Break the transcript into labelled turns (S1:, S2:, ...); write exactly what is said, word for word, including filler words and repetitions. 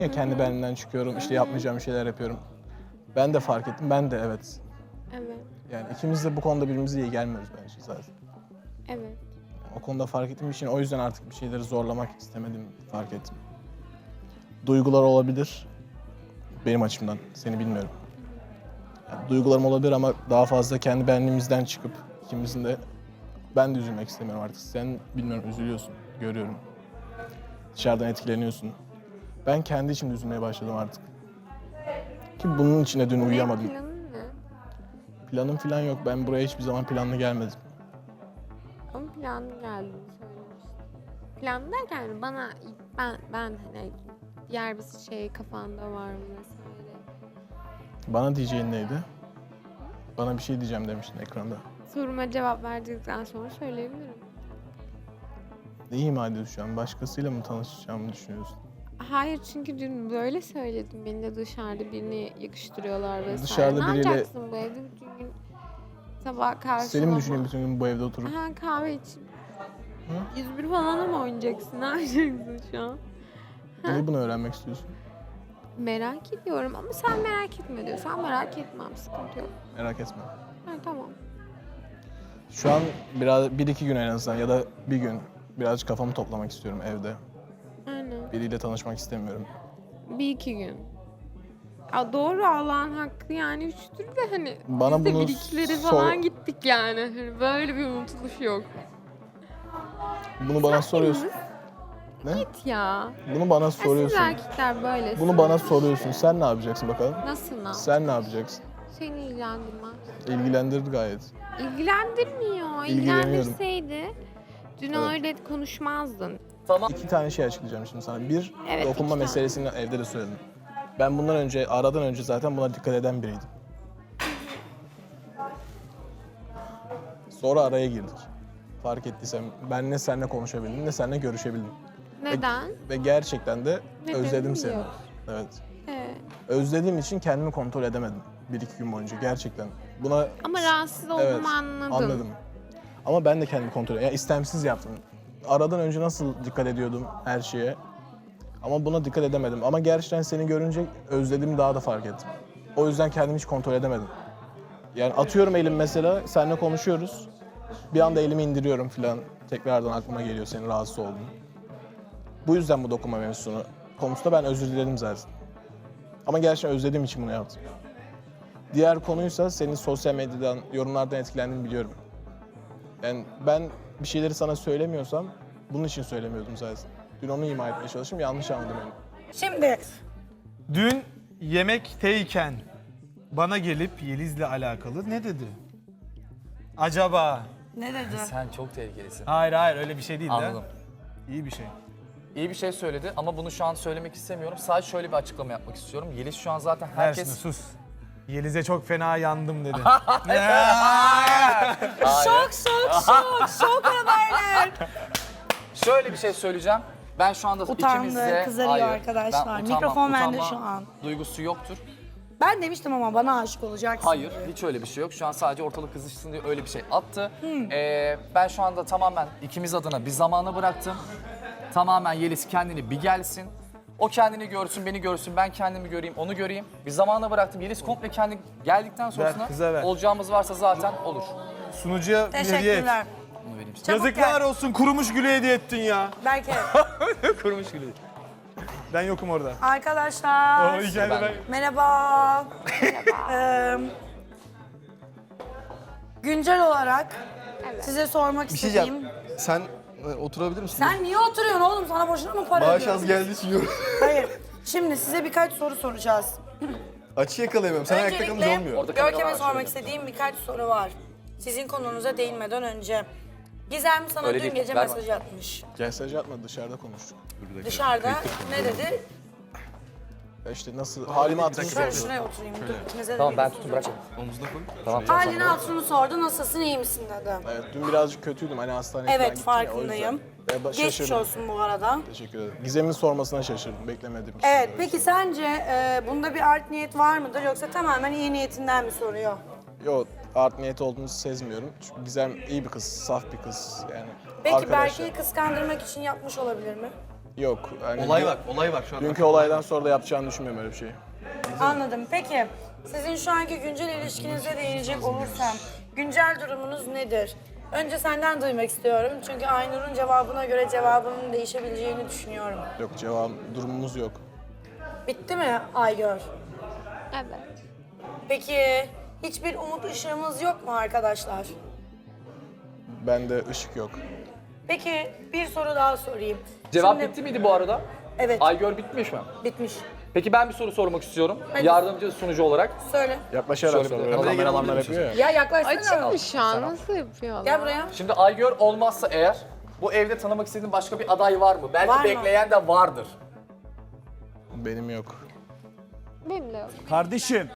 S1: Ya kendi benimden çıkıyorum, işte yapmayacağım şeyler yapıyorum. Ben de fark ettim, ben de evet.
S2: Evet,
S1: Yani ikimiz de bu konuda birbirimize iyi gelmiyoruz bence zaten.
S2: evet.
S1: O konuda fark ettiğim için o yüzden artık bir şeyleri zorlamak istemedim, fark ettim. Duygular olabilir benim açımdan, seni bilmiyorum. Yani duygularım olabilir ama daha fazla kendi benliğimizden çıkıp ikimizin de ben de üzülmek istemiyorum artık. Sen bilmiyorum üzülüyorsun, görüyorum. Dışarıdan etkileniyorsun. Ben kendi içimde üzülmeye başladım artık. Ki bunun içine dün uyuyamadım.
S2: Planın ne?
S1: Planım falan yok. Ben buraya hiçbir zaman planlı gelmedim.
S2: Ama planlı geldiğini söylemiştin. Planlı derken bana ben ben hani diğer bir şey kafanda var mı vesaire.
S1: Bana diyeceğin neydi? Bana bir şey diyeceğim demiştin ekranda.
S2: Soruma cevap verdikten sonra söyleyebilirim.
S1: Ne ima ediyorsun şu an? Başkasıyla mı tanışacağımı düşünüyorsun?
S2: Hayır çünkü dün böyle söyledim. Beni de dışarıda birini yakıştırıyorlar vesaire.
S1: Dışarıda
S2: ne
S1: biriyle-
S2: yapacaksın bu evde bütün gün sabah karşılama?
S1: Seni mi düşüneyim bütün gün bu evde oturup?
S2: Ha kahve için. yüz bir falan mı oynayacaksın? Ne yapacaksın şu an?
S1: Niye bunu öğrenmek istiyorsun?
S2: Merak ediyorum ama sen merak etme diyorsan merak etmem. Sıkıntı yok.
S1: Merak etme.
S2: Ha, tamam.
S1: Şu an biraz bir iki gün en azından ya da bir gün birazcık kafamı toplamak istiyorum evde.
S2: Aynen.
S1: Biriyle tanışmak istemiyorum.
S2: Bir iki gün. Ya doğru Allah'ın hakkı yani üçtür de hani
S1: Bana
S2: biz de
S1: bunu
S2: bir ikileri
S1: sor-
S2: falan gittik yani. Hani böyle bir unutuluş yok.
S1: Bunu bana soruyorsun. Ne?
S2: Git ya.
S1: Bunu bana
S2: Ya siz
S1: soruyorsun.
S2: erkekler böyle.
S1: Bunu bana soruyorsun. Sen ne yapacaksın bakalım?
S2: Nasıl lan?
S1: Sen ne yapacaksın?
S2: Seni ilgilendirmez.
S1: İlgilendirdi gayet.
S2: İlgilendirmiyor.
S1: İlgileniyorum.
S2: İlgilendirseydi dün
S1: Evet.
S2: öyle konuşmazdın.
S1: İki tane şey açıklayacağım şimdi sana. Bir,
S2: Evet,
S1: dokunma
S2: iki tane.
S1: meselesini evde de söyledim. Ben bundan önce, aradan önce zaten buna dikkat eden biriydim. Sonra araya girdik. Fark ettiysem ben ne seninle konuşabildim ne seninle görüşebildim.
S2: Neden?
S1: Ve gerçekten de
S2: Nedenini
S1: özledim seni.
S2: biliyorum.
S1: Evet.
S2: Evet.
S1: Özlediğim için kendimi kontrol edemedim. Bir iki gün boyunca gerçekten. Buna
S2: Ama rahatsız olduğumu
S1: evet,
S2: anladım.
S1: anladım. Ama ben de kendimi kontrol Ya istemsiz yaptım. Aradan önce nasıl dikkat ediyordum her şeye. Ama buna dikkat edemedim. Ama gerçekten seni görünce özlediğimi daha da fark ettim. O yüzden kendimi hiç kontrol edemedim. Yani atıyorum elim mesela, seninle konuşuyoruz. Bir anda elimi indiriyorum falan. Tekrardan aklıma geliyor senin rahatsız olduğun. Bu yüzden bu dokunma mevzusunu konusunda ben özür diledim zaten. Ama gerçekten özlediğim için bunu yaptım. Diğer konuysa senin sosyal medyadan, yorumlardan etkilendiğini biliyorum. Yani ben bir şeyleri sana söylemiyorsam bunun için söylemiyordum zaten. Dün onu ima etmeye çalıştım, yanlış anladım beni.
S3: Şimdi
S4: Dün yemekteyken bana gelip Yeliz'le alakalı ne dedi? Acaba?
S3: ne dedi?
S5: Sen çok tehlikelisin.
S4: Hayır hayır öyle bir şey değil de.
S5: Anladım.
S4: İyi bir şey.
S5: İyi bir şey söyledi ama bunu şu an söylemek istemiyorum. Sadece şöyle bir açıklama yapmak istiyorum. Yeliz şu an zaten
S4: Ver
S5: herkes...
S4: şunu, sus. Yeliz'e çok fena yandım dedi.
S3: Şok şok şok şok haberler.
S5: Şöyle bir şey söyleyeceğim. Ben şu anda
S3: Utandı,
S5: ikimizde...
S3: kızarıyor
S5: Hayır,
S3: arkadaşlar.
S5: ben
S3: Mikrofon bende
S5: utanma
S3: şu an.
S5: Duygusu yoktur.
S3: Ben demiştim ama bana aşık olacaksın.
S5: Hayır,
S3: diye.
S5: hiç öyle bir şey yok. Şu an sadece ortalık kızışsın diye öyle bir şey attı.
S3: Hmm.
S5: Ee, ben şu anda tamamen ikimiz adına bir zamana bıraktım. Tamamen Yeliz kendini bir gelsin. O kendini görsün, beni görsün, ben kendimi göreyim, onu göreyim. Bir zamana bıraktım. Yeliz komple kendi geldikten sonrasında
S4: kıza ver.
S5: olacağımız varsa zaten olur.
S4: Sunucuya bir hediye et.
S3: Teşekkürler.
S5: Bunu vereyim size.
S3: Çabuk
S4: Yazıklar
S3: gel.
S4: olsun, kurumuş gülü hediye ettin ya.
S3: Belki.
S4: Kurumuş gülü. Ben yokum orada.
S3: Arkadaşlar.
S4: O hikayede ben...
S3: Merhaba. Merhaba. güncel olarak size sormak
S6: Bir şey
S3: istediğim...
S6: diyeceğim. Sen e, oturabilir misin?
S3: Sen niye oturuyorsun oğlum? Sana boşuna mı para
S6: Maaş
S3: ödüyorum?
S6: az geldiği için yorum.
S3: Hayır. Şimdi size birkaç soru soracağız.
S6: Açı yakalayamıyorum. Sen ayakta kalınca olmuyor.
S5: Orada kamera
S3: Görkem'e
S5: var,
S3: sormak
S5: şöyle.
S3: istediğim birkaç soru var. Sizin konunuza değinmeden önce. Gizem sana
S5: Öyle
S3: dün
S5: değil,
S3: gece
S5: ver
S3: mesaj atmış.
S1: Mesaj atma, dışarıda konuştuk.
S3: Dışarıda ne dedi?
S1: Ya işte nasıl, halimi hatırını
S3: Şöyle
S1: sordu.
S3: şuraya oturayım. Dur, ikinize de
S5: Tamam
S3: bir
S5: ben
S3: soru
S5: tutun bırak.
S3: soracağım.
S6: Omuzuna koy.
S5: Tamam.
S3: Halini hatırını sordu. Nasılsın, iyi misin dedi.
S1: Evet, dün birazcık kötüydüm, hani hastaneye falan
S3: Evet,
S1: gittim ya, o
S3: farkındayım.
S1: yüzden. Ve ba-
S3: Geçmiş
S1: şaşırdım.
S3: olsun bu arada.
S1: Teşekkür ederim. Gizem'in sormasına şaşırdım, beklemediğim için.
S3: Evet, peki sence e, bunda bir art niyet var mıdır yoksa tamamen iyi niyetinden mi soruyor?
S1: Yok, art niyeti olduğunu sezmiyorum. Çünkü Gizem iyi bir kız, saf bir kız yani.
S3: Peki
S1: Arkadaşlar,
S3: Berke'yi kıskandırmak için yapmış olabilir mi?
S1: Yok. Yani
S6: Olay
S1: dün-
S6: var, olay var şu an.
S1: Dünkü olaydan sonra da yapacağını düşünmüyorum öyle bir şeyi.
S3: Anladım. Peki sizin şu anki güncel ilişkinize değinecek olursam güncel durumunuz nedir? Önce senden duymak istiyorum. Çünkü Aynur'un cevabına göre cevabının değişebileceğini düşünüyorum.
S1: Yok cevap durumumuz yok.
S3: Bitti mi Aygör?
S2: Evet.
S3: Peki hiçbir umut ışığımız yok mu arkadaşlar?
S1: Bende ışık yok.
S3: Peki bir soru daha sorayım.
S5: Cevap
S3: Şimdi-
S5: bitti miydi bu arada?
S3: Evet,
S5: Aygör bitmiş mi?
S3: bitmiş.
S5: Peki ben bir soru sormak istiyorum.
S3: Hadi.
S5: Yardımcı sunucu olarak.
S3: Söyle.
S1: Yaklaşarak
S5: Şöyle bir-
S1: soruyor.
S5: Kameraya
S1: Kameramanlar
S6: gelebilir
S1: yapıyor ya.
S3: Ya yaklaşsana.
S2: Açık mı şu an? Nasıl yapıyorlar?
S3: Gel buraya.
S5: Şimdi Aygör olmazsa eğer bu evde tanımak istediğin başka bir aday var mı? Belki
S3: Var mı?
S5: bekleyen de vardır.
S1: Benim yok.
S2: Benim de yok.
S4: Kardeşim